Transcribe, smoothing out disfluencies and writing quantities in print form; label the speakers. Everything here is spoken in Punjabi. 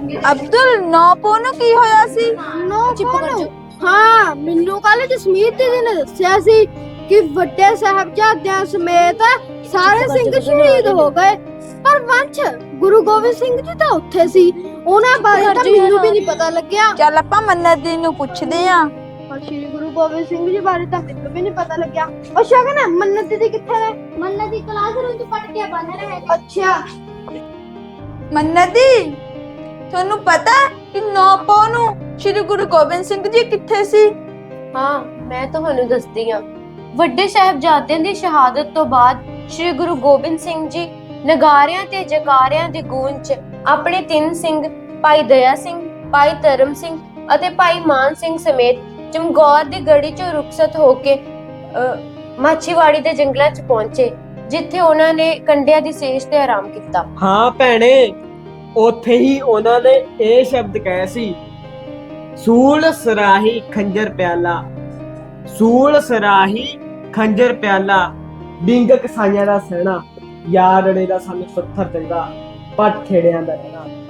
Speaker 1: ਅਬਦੁਲ 9 ਪੋ ਨੂੰ ਕੀ ਹੋਇਆ ਸੀ?
Speaker 2: ਹਾਂ, ਮੈਨੂੰ ਕੱਲ ਜਸਮੀਤ ਦੀਦੀ ਨੇ ਦੱਸਿਆ ਸੀ ਕਿ ਵੱਡੇ ਸਾਹਿਬਜ਼ਾਦਿਆਂ ਸਮੇਤ ਸਾਰੇ ਸਿੰਘ ਸ਼ਹੀਦ ਹੋ ਗਏ, ਪਰ ਵੰਸ਼ ਗੁਰੂ ਗੋਬਿੰਦ ਸਿੰਘ ਜੀ ਤਾਂ ਉੱਥੇ ਸੀ। ਉਹਨਾਂ ਬਾਰੇ ਤਾਂ ਮੈਨੂੰ ਵੀ ਨਹੀਂ ਪਤਾ ਲੱਗਿਆ।
Speaker 1: ਚੱਲ ਆਪਾਂ ਮੰਨਤ ਦੀ ਨੂੰ ਪੁੱਛਦੇ ਆਂ।
Speaker 2: ਪਰ ਸ਼੍ਰੀ ਗੁਰੂ ਗੋਬਿੰਦ ਸਿੰਘ ਜੀ ਬਾਰੇ ਤਾਂ ਮੈਨੂੰ ਵੀ ਨਹੀਂ ਪਤਾ ਲੱਗਿਆ। ਉਹ ਸ਼ਗਨ ਮੰਨਤ ਦੀਦੀ ਕਿੱਥੇ ਨੇ? ਮੰਨਤ ਦੀ ਕਲਾਸਰੂਮ ਚ ਪੜ ਕੇ ਬਣ ਰਹੇ ਨੇ। ਅੱਛਾ
Speaker 1: ਮੰਨਤ ਦੀ, ਤੁਹਾਨੂੰ ਪਤਾ ਕਿ 9 ਪੋ ਨੂੰ ਸ਼੍ਰੀ ਗੁਰੂ ਗੋਬਿੰਦ ਸਿੰਘ ਜੀ ਕਿੱਥੇ ਸੀ?
Speaker 3: ਹਾਂ, ਮੈਂ ਤੁਹਾਨੂੰ ਦੱਸਦੀ ਹਾਂ। ਵੱਡੇ ਸਾਹਿਬਜ਼ਾਦਿਆਂ ਦੀ ਸ਼ਹਾਦਤ ਤੋਂ ਬਾਅਦ ਸ਼੍ਰੀ ਗੁਰੂ ਗੋਬਿੰਦ ਸਿੰਘ ਜੀ ਨਗਾਰਿਆਂ ਤੇ ਜਕਾਰਿਆਂ ਦੀ ਗੂੰਜ 'ਚ ਆਪਣੇ 3 ਸਿੰਘ ਭਾਈ ਦਇਆ ਸਿੰਘ, ਭਾਈ ਧਰਮ ਸਿੰਘ ਅਤੇ ਭਾਈ ਮਾਨ ਸਿੰਘ ਸਮੇਤ ਚਮਕੌਰ ਦੀ ਗੜੀ 'ਚੋਂ ਰੁਖਸਤ ਹੋ ਕੇ ਮਾਛੀਵਾੜੀ ਦੇ ਜੰਗਲਾਂ 'ਚ ਪਹੁੰਚੇ, ਜਿੱਥੇ ਉਹਨਾਂ ਨੇ ਕੰਡਿਆਂ ਦੀ ਸੇਜ ਤੇ ਆਰਾਮ ਕੀਤਾ।
Speaker 4: ਹਾਂ ਭੈਣੇ, ਉੱਥੇ ਹੀ ਉਹਨਾਂ ਨੇ ਇਹ ਸ਼ਬਦ ਕਹੇ ਸੀ, ਸੂਲ ਸਰਾਹੀ ਖੰਜਰ ਪਿਆਲਾ, ਸੂਲ ਸਰਾਹੀ ਖੰਜਰ ਪਿਆਲਾ, ਬਿੰਗ ਕਸਾਈਆਂ ਦਾ ਸਹਿਣਾ, ਯਾਰ ਅੜੇ ਦਾ ਸਾਨੂੰ ਪੱਥਰ ਚੰਗਾ, ਪੱਟ ਖੇੜਿਆਂ ਦਾ ਰਹਿਣਾ।